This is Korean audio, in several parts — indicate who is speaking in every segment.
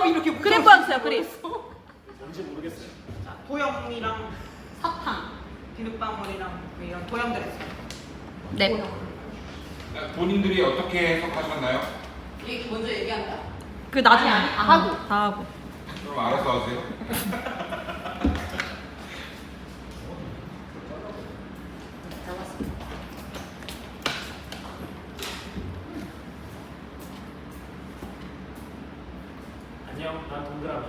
Speaker 1: 도엽이 이렇게
Speaker 2: 그림 보여주세요, 그림.
Speaker 3: 뭔지 모르겠어요.
Speaker 1: 자, 도엽이랑 사탕, 비눗방울이랑 이런 도염들 했어요.
Speaker 2: 네.
Speaker 4: 본인들이 어떻게 해석하셨나요?
Speaker 1: 이게 먼저 얘기한다.
Speaker 2: 그 나중에
Speaker 1: 아니, 다 하고.
Speaker 2: 다 하고.
Speaker 4: 그럼 알아서 하세요.
Speaker 3: 안녕, 난 동그라미.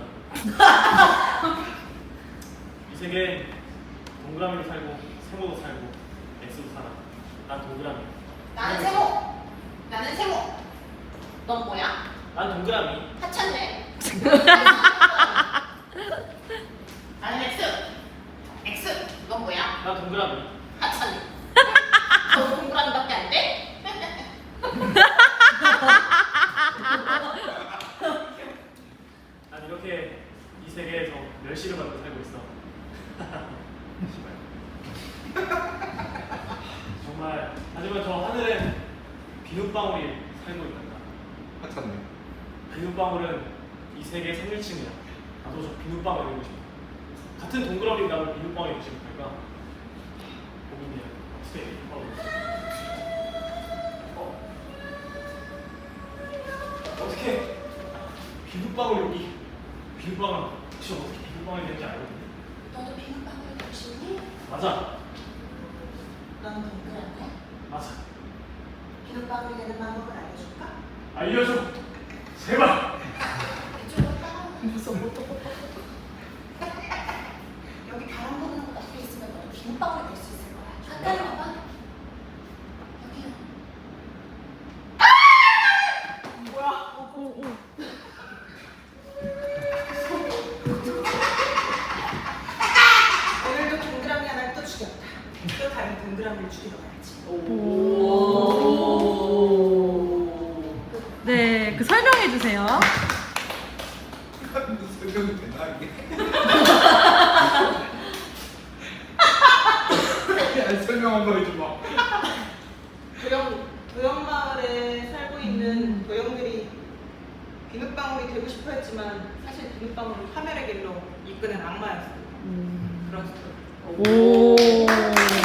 Speaker 3: 이 세계엔 동그라미로 살고 세모도 살고 X도 살아. 난 동그라미.
Speaker 5: 나는 세모. 나는 세모. 넌 뭐야?
Speaker 3: 난 동그라미.
Speaker 5: 하찮네. 나는 X. X. 넌 뭐야?
Speaker 3: 난 동그라미.
Speaker 5: 하찮네. 너 동그라미밖에 안 돼?
Speaker 3: 난 이렇게 이 세계에서 멸시를 받고 살고 있어. 정말 하지만 저 하늘엔 비눗방울이 살고 있단다.
Speaker 4: 하찮네.
Speaker 3: 비눗방울은 이 세계의 상류층이야. 나도 저 비눗방울이 되고 싶어. 같은 동그라미 나도 비눗방울이 되고 싶을까? 고민이야. 어떻게 비눗방울 여기 비눗방울 혹시 어떻게 비눗방울이 되는지 알거든?
Speaker 5: 너도 비눗방울 되고 싶니?
Speaker 3: 맞아.
Speaker 5: 넌 동그라미.
Speaker 3: 맞아.
Speaker 5: 비눗방울이 되는 방법을 알려줄까?
Speaker 3: 알려줘. 제발.
Speaker 5: 이쪽으로 따라와. 여기 바람 부는 곳 앞에 있으면 너는 비눗방울이 될 수 있을 거야. 가까이 와봐. 여기요.
Speaker 1: 오늘도 동그라미 하나를 또 죽였다. 또 다른 동그라미를 죽이러 가야지.
Speaker 2: 네, 그 설명해 주세요.
Speaker 4: 설명이 되나 이게? 아니, 설명 한번 해줘봐.
Speaker 1: 도염마을에 살고 있는 도염들이 비눗방울이 되고 싶어 했지만 사실 비눗방울은 카메라 길로 이끄는 악마였어요. 그런 스토리.
Speaker 2: 오.